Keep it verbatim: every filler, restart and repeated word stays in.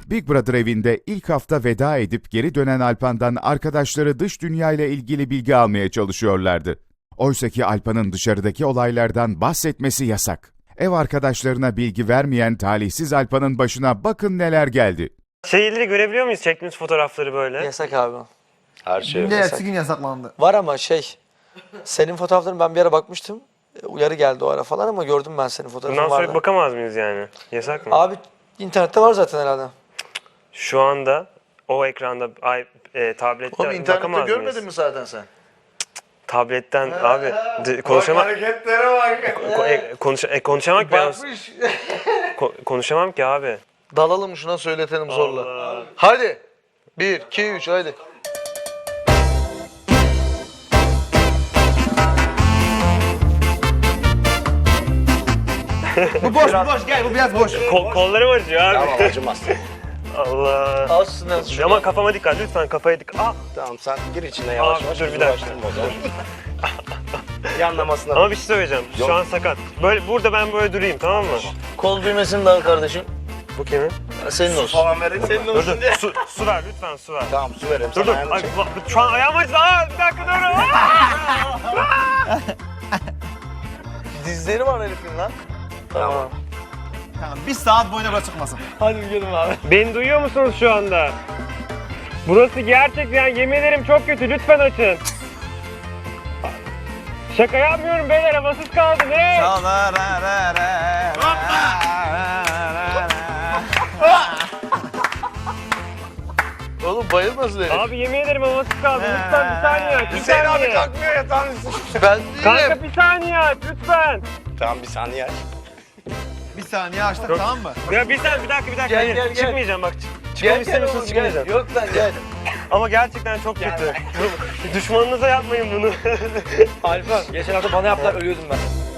Big Brother evinde ilk hafta veda edip geri dönen Alpan'dan arkadaşları dış dünyayla ilgili bilgi almaya çalışıyorlardı. Oysaki Alpan'ın dışarıdaki olaylardan bahsetmesi yasak. Ev arkadaşlarına bilgi vermeyen talihsiz Alpan'ın başına bakın neler geldi. Şeyleri görebiliyor muyuz, çektiğimiz fotoğrafları böyle? Yasak abi. Her şey Günde yasak. ertesi gün yasaklandı. Var ama şey, senin fotoğrafların ben bir ara bakmıştım. Uyarı geldi o ara falan ama gördüm ben senin fotoğrafın Bundan sonra vardı. bakamaz mıyız yani? Yasak mı? Abi internette var zaten herhalde. Şu anda o ekranda, ay, e, tablette Oğlum internette bakamaz görmedin mıyız? mi zaten sen? Tabletten abi de, konuşamam. Hareketlere bak. Ko- e, konuş e, konuşamam ki ben. Bakmış. Ko- konuşamam ki abi. Dalalım şuna söyletelim zorla. Allah. Hadi. Bir, iki, üç hadi. Bu boş, bu boş. Gel, bu biraz boş. Kol, kollarım acıyor abi. Tamam acımaz. Allah. Aslında şu. Ama kafama dikkat lütfen, kafaya dikkat. Ah! Tamam sen gir içine yavaş Abi, yavaş. dur bir dakika. uğraştırma o zaman. Yanlamasına. Ama bir şey söyleyeceğim. Yok. Şu an sakat. Böyle burada ben böyle durayım, tamam mı? Kol düğmesini de al kardeşim. Bu kimin? Senin olsun. Falan verelim. Senin Dur dur. Su, su ver lütfen, su ver. Tamam su verelim. Dur sana dur. ayağını Ay, çek. ba- şu an ayağım acıdı. Aa, bir dakika dur. Aa! Dizleri var herifin lan. Tamam. Tamam, bir saat boyunca burası çıkmasın. Hadi gidelim abi. Beni duyuyor musunuz şu anda? Burası gerçekten, yemin ederim çok kötü. Lütfen açın. Şaka yapmıyorum beyler, havasız kaldı. Ne? Oğlum bayılmasın herif. Abi yemin ederim havasız kaldı. Lütfen bir saniye aç. Bir Hüseyin abi saniye. kalkmıyor yatağın üstüne. Ben değilim. Kanka bir saniye aç lütfen. Tamam bir saniye aç. Bir saniye açtık, tamam mı? Ya bir saniye, bir dakika bir dakika. Gel, Hayır, gel, gel. çıkmayacağım bak. Çık- Çıkmamı istemiyorsanız çıkmayacağım. Yok lan gel. Ama gerçekten çok kötü. Düşmanınıza yapmayın bunu. Alfa geçen hafta bana yaptılar ölüyordum ben.